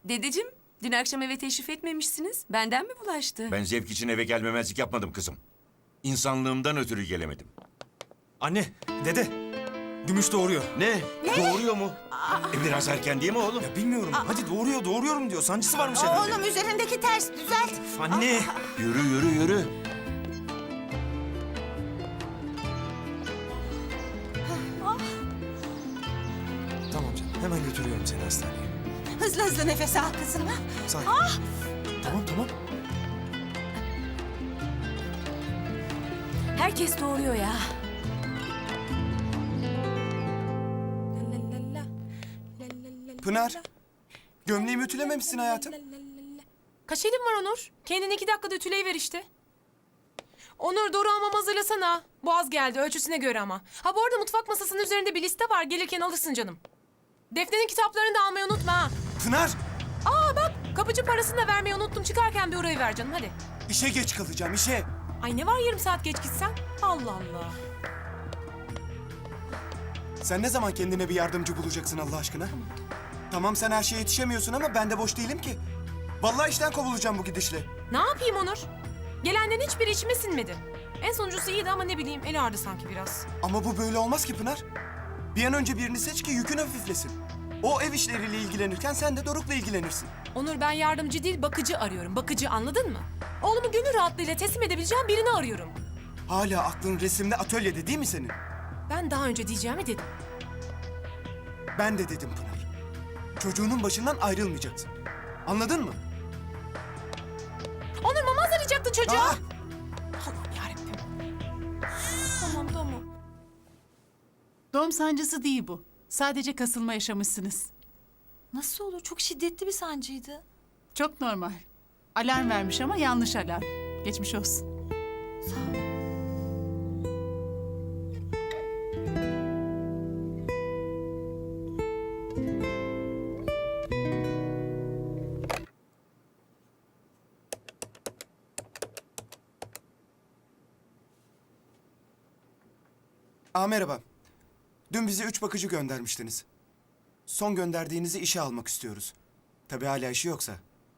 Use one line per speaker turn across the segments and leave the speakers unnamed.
Dedeciğim, dün akşam eve teşrif etmemişsiniz. Benden mi bulaştı?
Ben zevk için eve gelmemezlik yapmadım kızım. İnsanlığımdan ötürü gelemedim.
Anne, dede. Gümüş doğuruyor.
Ne? Doğuruyor mu? Biraz erken değil mi oğlum?
Ya bilmiyorum. Hadi doğuruyorum diyor. Sancısı varmış herhalde.
Oğlum üzerindeki ters düzelt.
Üf, anne.
Yürü yürü yürü.
Tamam canım. Hemen götürüyorum seni hastaneye.
Hızlı hızlı nefes al kızım. Ha?
Sakin. Tamam.
Herkes doğuruyor ya.
Pınar. Gömleğimi ütülememişsin hayatım.
Kaç elim var Onur? Kendini 2 dakikada ütüleyiver işte. Onur doğru almamı hazırlasana. Boğaz geldi ölçüsüne göre ama. Ha bu arada mutfak masasının üzerinde bir liste var. Gelirken alırsın canım. Defne'nin kitaplarını da almayı unutma ha.
Pınar.
Aa bak kapıcı parasını da vermeyi unuttum. Çıkarken bir orayı ver canım hadi.
İşe geç kalacağım işe.
Ay ne var yarım saat geç gitsen? Allah Allah.
Sen ne zaman kendine bir yardımcı bulacaksın Allah aşkına? Tamam sen her şeye yetişemiyorsun ama ben de boş değilim ki. Vallahi işten kovulacağım bu gidişle.
Ne yapayım Onur? Gelenden hiçbiri içime sinmedi. En sonuncusu iyiydi ama ne bileyim eli ağrıdı sanki biraz.
Ama bu böyle olmaz ki Pınar. Bir an önce birini seç ki yükün hafiflesin. O ev işleriyle ilgilenirken sen de Doruk'la ilgilenirsin.
Onur ben yardımcı değil bakıcı arıyorum. Bakıcı anladın mı? Oğlumu gönül rahatlığıyla teslim edebileceğim birini arıyorum.
Hala aklın resimde atölyede değil mi senin?
Ben daha önce diyeceğimi dedim.
Ben de dedim Pınar. Çocuğunun başından ayrılmayacaksın. Anladın mı?
Onur mama hazırlayacaktın çocuğa.
Aa!
Allah'ım yarabbim. Tamam.
Doğum sancısı değil bu. Sadece kasılma yaşamışsınız.
Nasıl olur? Çok şiddetli bir sancıydı.
Çok normal. Alarm vermiş ama yanlış alarm. Geçmiş olsun.
Sağ ol.
Merhaba. Dün bize 3 bakıcı göndermiştiniz. Son gönderdiğinizi işe almak istiyoruz. Tabii hala işi yoksa.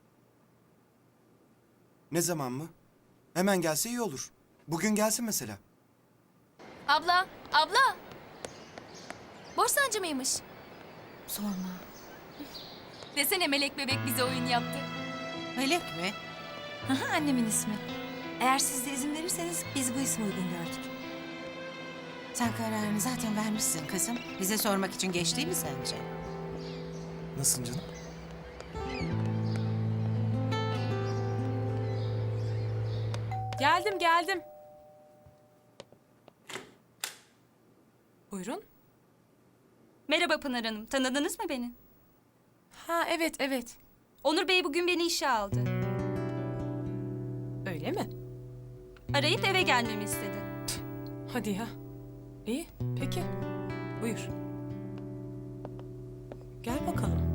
Ne zaman mı? Hemen gelse iyi olur. Bugün gelsin mesela.
Abla. Boş sancı mıymış?
Sorma.
Desene Melek bebek bize oyun yaptı.
Melek mi? Aha, annemin ismi. Eğer siz de izin verirseniz biz bu ismi uygun gördük. Sen kararını zaten vermişsin kızım. Bize sormak için geç değil mi sence?
Nasılsın canım?
Geldim. Buyurun.
Merhaba Pınar Hanım. Tanıdınız mı beni?
Ha evet.
Onur Bey bugün beni işe aldı.
Öyle mi?
Arayıp eve gelmemi istedi.
Hadi ya. İyi peki. Buyur. Gel bakalım.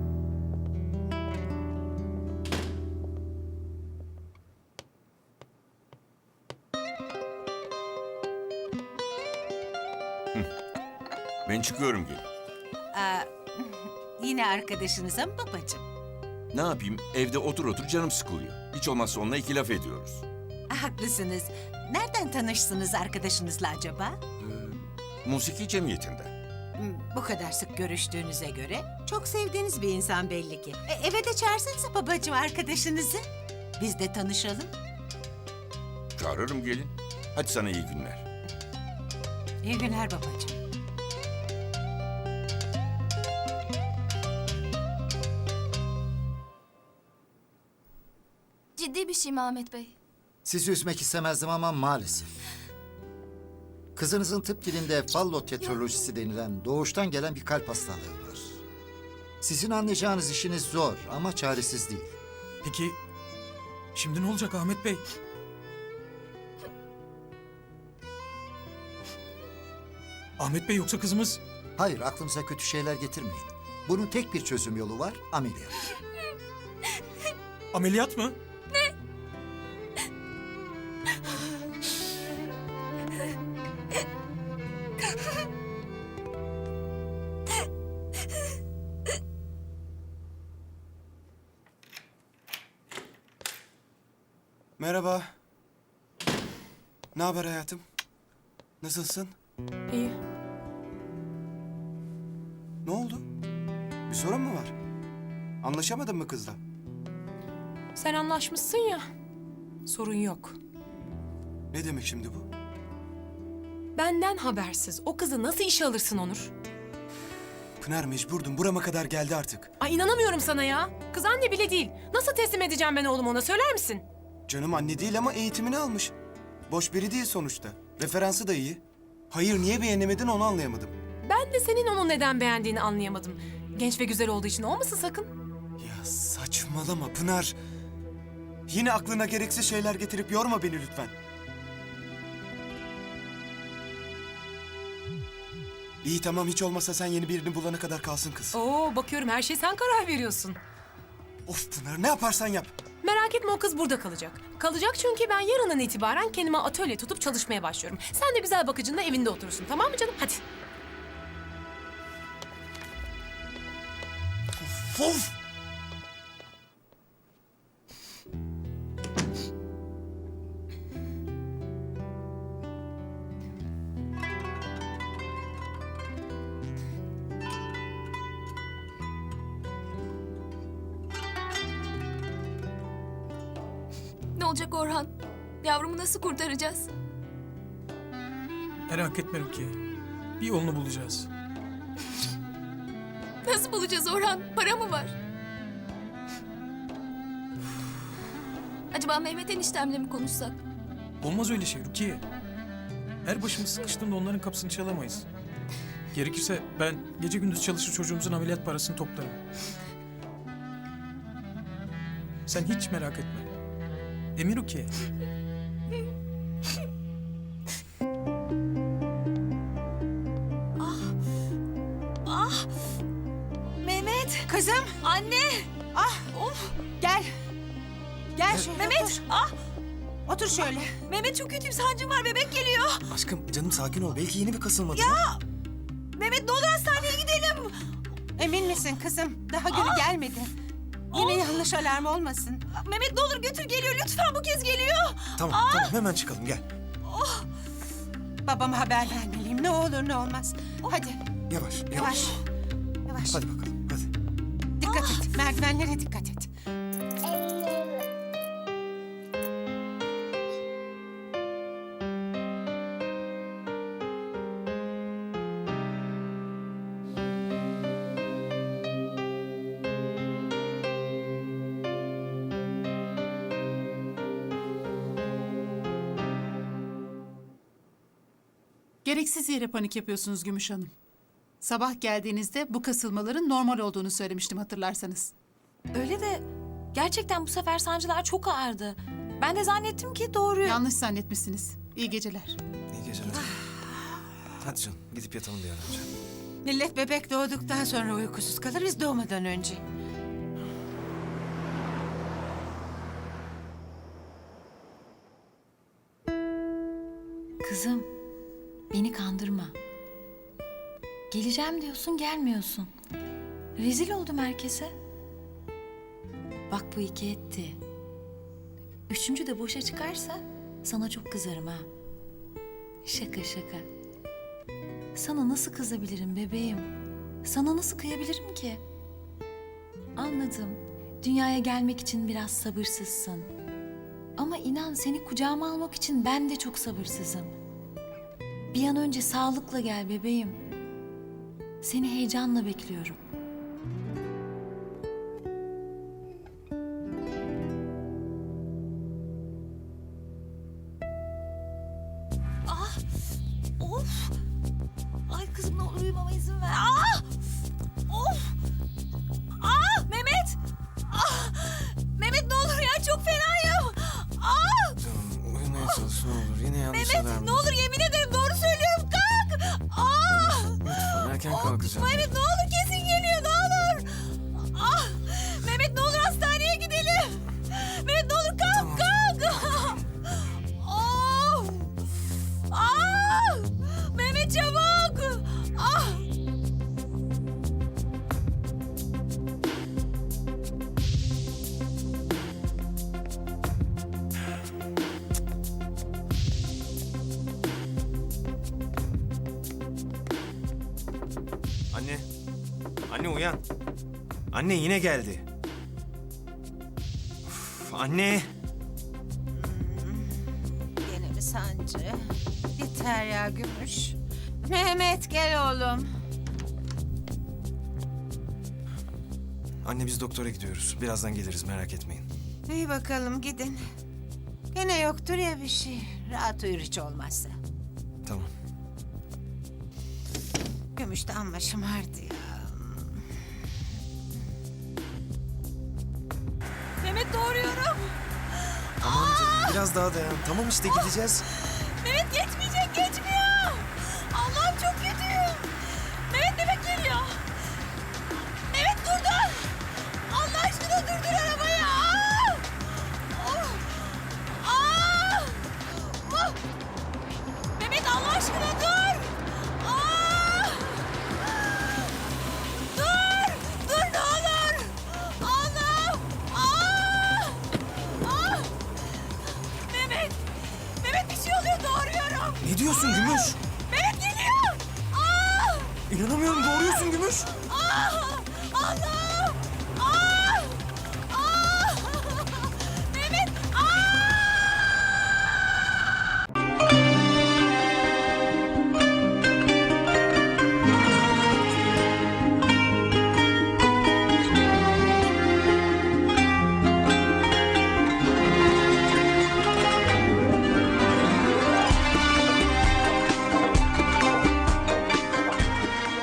Ben çıkıyorum gelin.
Yine arkadaşınıza mı babacığım?
Ne yapayım? Evde otur canım sıkılıyor. Hiç olmazsa onunla 2 laf ediyoruz.
Haklısınız. Nereden tanıştınız arkadaşınızla acaba?
Musiki cemiyetinde.
Bu kadar sık görüştüğünüze göre çok sevdiğiniz bir insan belli ki. Eve de çağırsanıza babacığım arkadaşınızı. Biz de tanışalım.
Çağırırım gelin. Hadi sana iyi günler.
İyi günler babacığım.
Ciddi bir şey mi Ahmet Bey?
Sizi üzmek istemezdim ama maalesef. Kızınızın tıp dilinde fallotetrolojisi denilen doğuştan gelen bir kalp hastalığı var. Sizin anlayacağınız işiniz zor ama çaresiz değil.
Peki şimdi ne olacak Ahmet Bey? Ahmet Bey yoksa kızımız...
Hayır, aklınıza kötü şeyler getirmeyin. Bunun tek bir çözüm yolu var, ameliyat.
Ameliyat mı? Merhaba. Ne haber hayatım? Nasılsın?
İyi.
Ne oldu? Bir sorun mu var? Anlaşamadın mı kızla?
Sen anlaşmışsın ya. Sorun yok.
Ne demek şimdi bu?
Benden habersiz o kızı nasıl işe alırsın Onur?
Pınar mecburdum. Burama kadar geldi artık.
Ay inanamıyorum sana ya. Kız anne bile değil. Nasıl teslim edeceğim ben oğlumu ona söyler misin?
Canım anne değil ama eğitimini almış. Boş biri değil sonuçta. Referansı da iyi. Hayır niye beğenemedin onu anlayamadım.
Ben de senin onu neden beğendiğini anlayamadım. Genç ve güzel olduğu için olmasın sakın.
Ya saçmalama Pınar. Yine aklına gereksiz şeyler getirip yorma beni lütfen. İyi tamam hiç olmasa sen yeni birini bulana kadar kalsın kız.
Oo bakıyorum her şey sen karar veriyorsun.
Of Pınar ne yaparsan yap.
Merak etme o kız burada kalacak. Kalacak çünkü ben yarından itibaren kendime atölye tutup çalışmaya başlıyorum. Sen de güzel bakıcınla evinde oturursun tamam mı canım? Hadi.
Of!
Ne olacak Orhan? Yavrumu nasıl kurtaracağız?
Merak etme Rukiye. Bir yolunu bulacağız.
Nasıl bulacağız Orhan? Para mı var? Acaba Mehmet eniştemle mi konuşsak?
Olmaz öyle şey Rukiye. Her başımız sıkıştığında onların kapısını çalamayız. Gerekirse ben gece gündüz çalışır çocuğumuzun ameliyat parasını toplarım. Sen hiç merak etme. Emin Rukiye.
Mehmet. Kızım.
Anne!
Gel. Gel şöyle
Mehmet!
otur.
Ah!
Otur şöyle.
Mehmet çok kötüyüm, sancım var, bebek geliyor.
Aşkım canım sakin ol. Belki yeni bir kasılmadı.
Mehmet ne olur hastaneye gidelim.
Emin misin kızım? Daha günü gelmedi. Yine yanlış alarm olmasın.
Mehmet ne olur götür, geliyor lütfen, bu kez geliyor.
Tamam tamam hemen çıkalım gel.
Babama haber vermeliyim. Ne olur ne olmaz. Hadi
Yavaş
yavaş. Yavaş.
Hadi bakalım hadi.
Dikkat et. Merdivenlere dikkat et.
Gereksiz yere panik yapıyorsunuz Gümüş Hanım. Sabah geldiğinizde bu kasılmaların normal olduğunu söylemiştim hatırlarsanız.
Öyle de gerçekten bu sefer sancılar çok ağırdı. Ben de zannettim ki doğru.
Yanlış zannetmişsiniz. İyi geceler.
İyi geceler. Hadi canım gidip yatalım bir an önce.
Millet bebek doğduktan sonra uykusuz kalır biz doğmadan önce.
Kızım, beni kandırma. Geleceğim diyorsun, gelmiyorsun. Rezil oldum herkese. Bak bu iki etti. Üçüncü de boşa çıkarsa sana çok kızarım ha. Şaka şaka. Sana nasıl kızabilirim bebeğim? Sana nasıl kıyabilirim ki? Anladım. Dünyaya gelmek için biraz sabırsızsın. Ama inan seni kucağıma almak için ben de çok sabırsızım. Bir an önce sağlıkla gel bebeğim. Seni heyecanla bekliyorum.
Of! Ay kızım ne olur uyumama izin ver. Ah! Of! Ah! Mehmet! Ah! Mehmet ne olur ya çok fenayım. Ah!
Canım uyumaya çalış ne olur. Yine yanlış
Mehmet
alarm.
ne olur yemin ederim doğru söylüyorum kalk. Ah!
Lütfen erken kalkacağım.
Mehmet ne olur kesin geliyor.
Anne yine geldi. Of, anne.
Gene mi sancı? Yeter ya Gümüş. Mehmet gel oğlum.
Anne biz doktora gidiyoruz. Birazdan geliriz merak etmeyin.
İyi bakalım gidin. Gene yoktur ya bir şey. Rahat uyur hiç olmazsa.
Tamam.
Gümüş de amma şımardı ya.
Mehmet doğuruyorum.
Tamam canım biraz daha dayan. Tamam işte gideceğiz.
Mehmet geçmiyor.